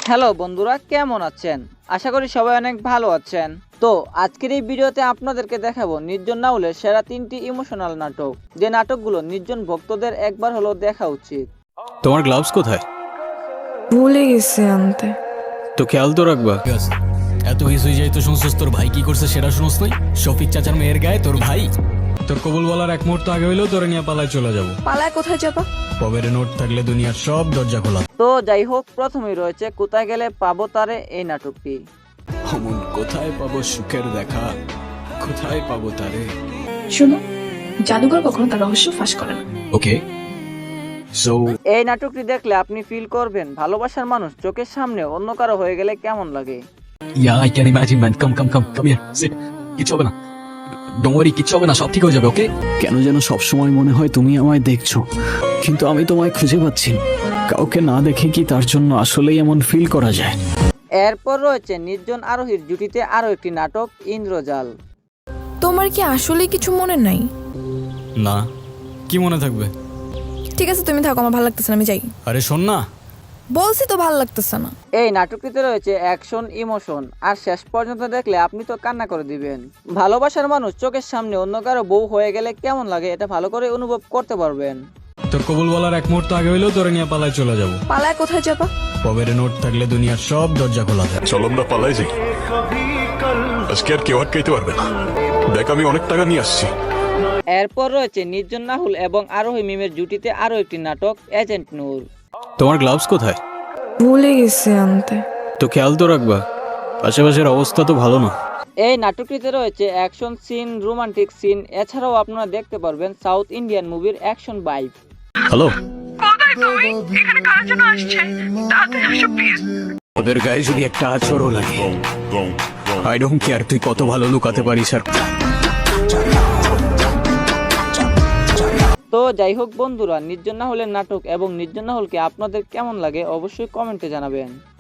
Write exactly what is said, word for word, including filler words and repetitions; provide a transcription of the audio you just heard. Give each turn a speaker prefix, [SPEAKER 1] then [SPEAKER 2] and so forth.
[SPEAKER 1] Hello বন্ধুরা, কেমন আছেন? আশা করি সবাই অনেক ভালো আছেন। তো আজকের এই ভিডিওতে আপনাদেরকে দেখাবো নির্জন নাহুলের সেরা তিনটি ইমোশনাল নাটক, যে নাটকগুলো নির্জন ভক্তদের একবার হলেও দেখা উচিত।
[SPEAKER 2] তোমার গ্লাভস কোথায়?
[SPEAKER 3] ভুলে গেছি আনতে।
[SPEAKER 2] তো খেয়াল তো রাখবা।
[SPEAKER 4] এত কিছুই যাই তো শুনছিস, তোর ভাই কি করছে সেটা শুনছ নাই? শফিক চাচার মেয়ের গায়ে তোর ভাই। তোর কবুল বলার এক মুহূর্ত আগে হইলেও তোরে নিয়ে পালায় চলে যাবো।
[SPEAKER 3] পালায় কোথায় যাবা?
[SPEAKER 4] পবের নোট থাকলে দুনিয়ার সব দরজা খোলা।
[SPEAKER 1] তো যাই হোক, প্রথমেই রয়েছে কোথায় গেলে পাবো তারে, এই নাটকটি।
[SPEAKER 4] অমন কোথায় পাবো সুখের দেখা, কোথায় পাবো তারে।
[SPEAKER 5] শোনো, জাদুঘর কখনো তার রহস্য ফাঁস করে না।
[SPEAKER 4] ওকে সো
[SPEAKER 1] এই নাটকটি দেখলে আপনি ফিল করবেন ভালোবাসার মানুষ চোখের সামনে অন্য কারো হয়ে গেলে কেমন লাগে।
[SPEAKER 4] Yeah I can imagine man, come come come come here sit. কিছু হবে না, ডোন্ট ওয়ারি, কিছু হবে না, সব ঠিক হয়ে যাবে। ওকে?
[SPEAKER 6] কেন যেন সবসময় মনে হয় তুমি আমায় দেখছো, কিন্তু আমি তোমায় খুঁজে পাচ্ছি না। কাউকে না দেখে কি তার জন্য আসলেই এমন ফিল করা যায়?
[SPEAKER 1] এরপর রয়েছে নির্জন আরোহীর জুটিতে আরো একটি নাটক, ইন্দ্রজাল।
[SPEAKER 3] তোমার কি আসলে কিছু মনে নাই?
[SPEAKER 4] না, কি মনে থাকবে?
[SPEAKER 3] ঠিক আছে, তুমি থাকো, আমার ভালো লাগতেছে না, আমি যাই।
[SPEAKER 4] আরে শোন না,
[SPEAKER 3] বলছি তো ভালো লাগতেছে না।
[SPEAKER 1] এই নাটকটিতে রয়েছে অ্যাকশন, ইমোশন, আর শেষ পর্যন্ত দেখলে আপনি তো কান্না করে দিবেন। ভালোবাসার মানুষ চোখের সামনে অন্য কারো বউ হয়ে গেলে কেমন লাগে এটা ভালো করে অনুভব করতে পারবেন।
[SPEAKER 4] তোর কবুল বলার এক মুহূর্ত আগে হইলেও তোরে নিয়ে পালায় চলে যাবো।
[SPEAKER 3] পালায় কোথায় যাবা?
[SPEAKER 4] পবের নোট থাকলে দুনিয়ার সব দরজা খোলা থাকে।
[SPEAKER 7] চলো আমরা পালাই যাই, আজকে আর কেউ আটকাইতে পারবে না। দেখ, আমি অনেক টাকা নিয়ে আসছি।
[SPEAKER 1] এরপর রয়েছে নির্জন নাহুল এবং আরোহী মিমের জুটিতে আরো একটি নাটক, এজেন্ট নূর।
[SPEAKER 2] তোমার গ্লাভস কোথায়?
[SPEAKER 3] ভুলে গেছি আনতে।
[SPEAKER 2] তো খেয়াল তো রাখবা, আশেপাশের অবস্থা তো ভালো না।
[SPEAKER 1] এই নাটকটিতে রয়েছে অ্যাকশন সিন, রোমান্টিক সিন, এছাড়াও আপনারা দেখতে পারবেন সাউথ ইন্ডিয়ান মুভির অ্যাকশন ভাইব।
[SPEAKER 2] হ্যালো,
[SPEAKER 6] ওদের গায়ে যদি একটা আচরও লাগে, আই ডোন্ট কেয়ার তুই কত ভালো লুকাতে পারিস। আর
[SPEAKER 1] তো যাই হোক বন্ধুরা, নির্জন নাহুলের নাটক এবং নির্জন নাহুলকে আপনাদের কেমন লাগে অবশ্যই কমেন্টে জানাবেন।